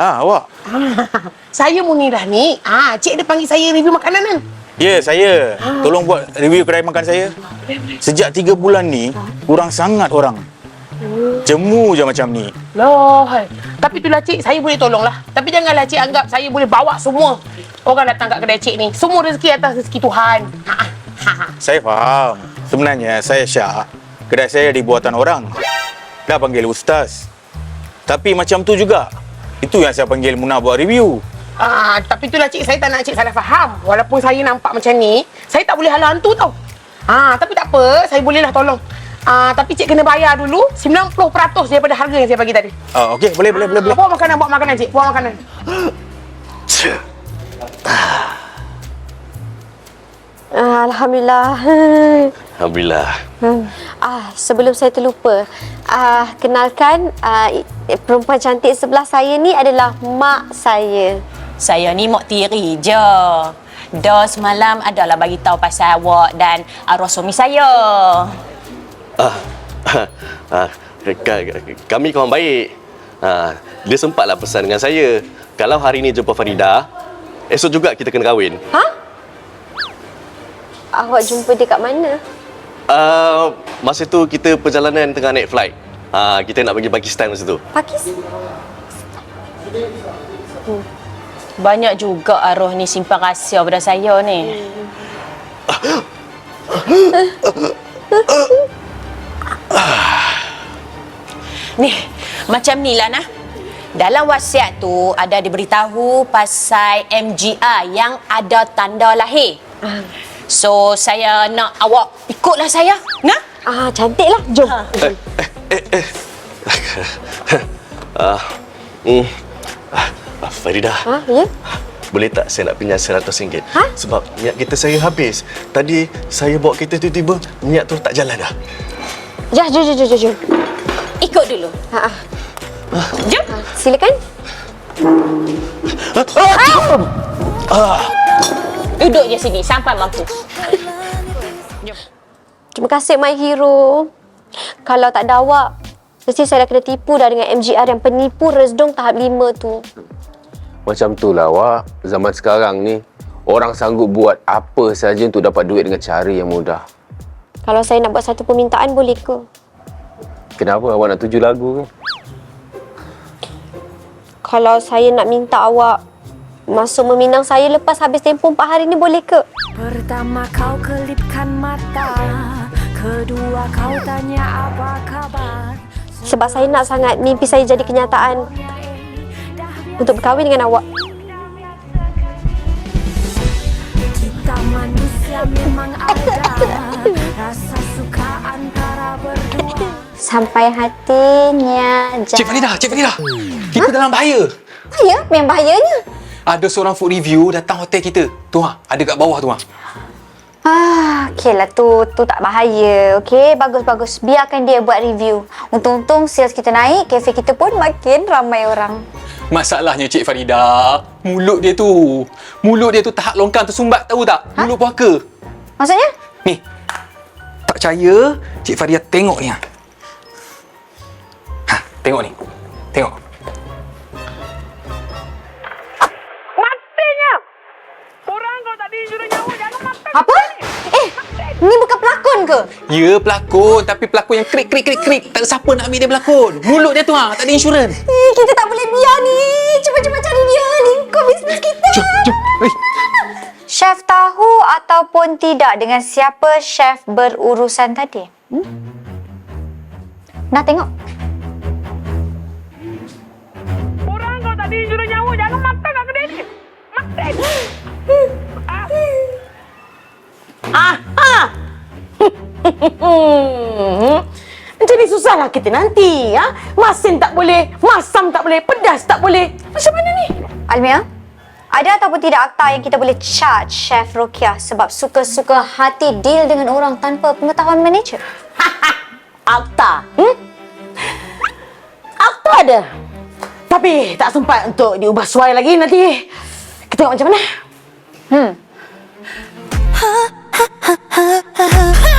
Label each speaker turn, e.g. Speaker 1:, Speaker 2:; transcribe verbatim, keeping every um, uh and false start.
Speaker 1: Ah, awak?
Speaker 2: Ah, saya Munirah ni. Ah, cik dia panggil saya review makanan kan?
Speaker 1: Ya, saya. Tolong buat review kedai makan saya. Sejak tiga bulan ni, kurang sangat orang. Jemu je macam ni.
Speaker 2: Loh, tapi itulah cik, saya boleh tolong lah. Tapi janganlah cik anggap saya boleh bawa semua orang datang kat kedai cik ni. Semua rezeki atas rezeki Tuhan. Ha, ha, ha.
Speaker 1: Saya faham. Sebenarnya saya Syak. Kedai saya di buatan orang. Dah panggil ustaz. Tapi macam tu juga. Itu yang saya panggil Munah buat review.
Speaker 2: Ah, tapi itulah cik, saya tak nak cik salah faham. Walaupun saya nampak macam ni, saya tak boleh halau hantu tau. Ah, tapi tak apa, saya bolehlah tolong. Ah, tapi cik kena bayar dulu sembilan puluh peratus daripada harga yang saya bagi tadi.
Speaker 1: Ah, okey, boleh, boleh, boleh, boleh.
Speaker 2: Bawa makanan, bawa makanan cik, bawa makanan.
Speaker 3: Alhamdulillah.
Speaker 4: Alhamdulillah.
Speaker 3: Hmm. Ah, sebelum saya terlupa, ah, kenalkan ah, perempuan cantik sebelah saya ni adalah mak saya.
Speaker 5: Saya ni mok tiri je. Dah semalam adalah bagi tahu pasal awak dan arwah suami saya.
Speaker 4: Ah, ah, kami kawan baik. Ah, dia sempatlah pesan dengan saya. Kalau hari ni jumpa Farida, esok juga kita kena kahwin.
Speaker 3: Ha? Awak jumpa dia kat mana?
Speaker 4: Uh, masa tu kita perjalanan tengah naik flight. Uh, kita nak pergi Pakistan masa tu.
Speaker 3: Pakistan?
Speaker 5: Hmm. Banyak juga arwah ni simpan rahsia pada saya ni. Ni, macam ni lah nah. Dalam wasiat tu ada diberitahu pasal M G R yang ada tanda lahir. So, saya nak awak ikutlah saya. Nah?
Speaker 3: Ah, cantiklah. Jom.
Speaker 5: Ha.
Speaker 4: Eh, eh, eh. uh, mm, uh, Farida.
Speaker 3: Ha, ya?
Speaker 4: Boleh tak saya nak pinjam seratus ringgit?
Speaker 3: Ha?
Speaker 4: Sebab minyak kereta saya habis. Tadi saya bawa kereta tiba-tiba, minyak tu tak jalan dah.
Speaker 3: Ya, jom, jom, jom, jom.
Speaker 5: Ikut dulu.
Speaker 3: Ha, ha.
Speaker 5: Jom.
Speaker 3: Ha, silakan.
Speaker 4: Ah.
Speaker 5: Duduk je sini sampai mampu. Jom.
Speaker 3: Terima kasih, my hero. Kalau tak ada awak, mesti saya dah kena tipu dah dengan M G R yang penipu Resdung tahap lima tu.
Speaker 6: Macam tu lah awak. Zaman sekarang ni, orang sanggup buat apa saja untuk dapat duit dengan cara yang mudah.
Speaker 3: Kalau saya nak buat satu permintaan, boleh ke?
Speaker 6: Kenapa awak nak tuju lagu ke?
Speaker 3: Kalau saya nak minta awak masuk meminang saya lepas habis tempoh empat hari ni, boleh ke?
Speaker 7: Pertama kau kelipkan mata, kedua kau tanya apa kabar.
Speaker 3: Sebab saya nak sangat mimpi saya jadi kenyataan untuk berkahwin dengan awak.
Speaker 7: Kita manusia memang ada rasa suka antara berdua.
Speaker 3: Sampai hatinya jatuh.
Speaker 8: Cik Farida, Cik Farida. Kita dalam bahaya.
Speaker 3: Bahaya? Memang bahayanya.
Speaker 8: Ada seorang food review datang hotel kita. Tu ha, ada kat bawah tu ha.
Speaker 3: Ah, okeylah tu, tu tak bahaya. Okey, bagus-bagus. Biarkan dia buat review. Untung-untung sales kita naik, kafe kita pun makin ramai orang.
Speaker 8: Masalahnya Cik Farida, mulut dia tu. Mulut dia tu tahap longkang tersumbat, tahu tak?
Speaker 3: Ha?
Speaker 8: Mulut puaka.
Speaker 3: Maksudnya?
Speaker 8: Ni. Tak percaya, Cik Farida tengok ni ha. Ha, tengok ni. Tengok.
Speaker 2: Matinya! Orang kalau tak diinjuri nyawa, jangan mati.
Speaker 3: Apa? Eh, ni bukan pelakon ke?
Speaker 8: Ya, pelakon. Tapi pelakon yang krik, krik, krik, krik. Tak ada siapa nak ambil dia berlakon. Mulut dia tu ha, tak ada insurans.
Speaker 3: Eh, kita tak boleh biar ni. Cepat-cepat cari dia. Lingkup bisnes kita.
Speaker 8: Jom, jom. Oi.
Speaker 3: Chef tahu ataupun tidak dengan siapa chef berurusan tadi? Hmm? Nak tengok?
Speaker 2: Orang kalau tak diinjuri nyawa, jangan mati kat kedai ni. Mati. Ah. Aha. Macam ni susahlah kita nanti. Ha? Masin tak boleh, masam tak boleh, pedas tak boleh. Macam mana ni?
Speaker 3: Almia, ada ataupun tidak akta yang kita boleh charge Chef Rokia sebab suka-suka hati deal dengan orang tanpa pengetahuan manager?
Speaker 2: Akta. Hmm? Akta ada. Tapi tak sempat untuk diubah suai lagi nanti. Kita tengok macam mana.
Speaker 3: Hmm.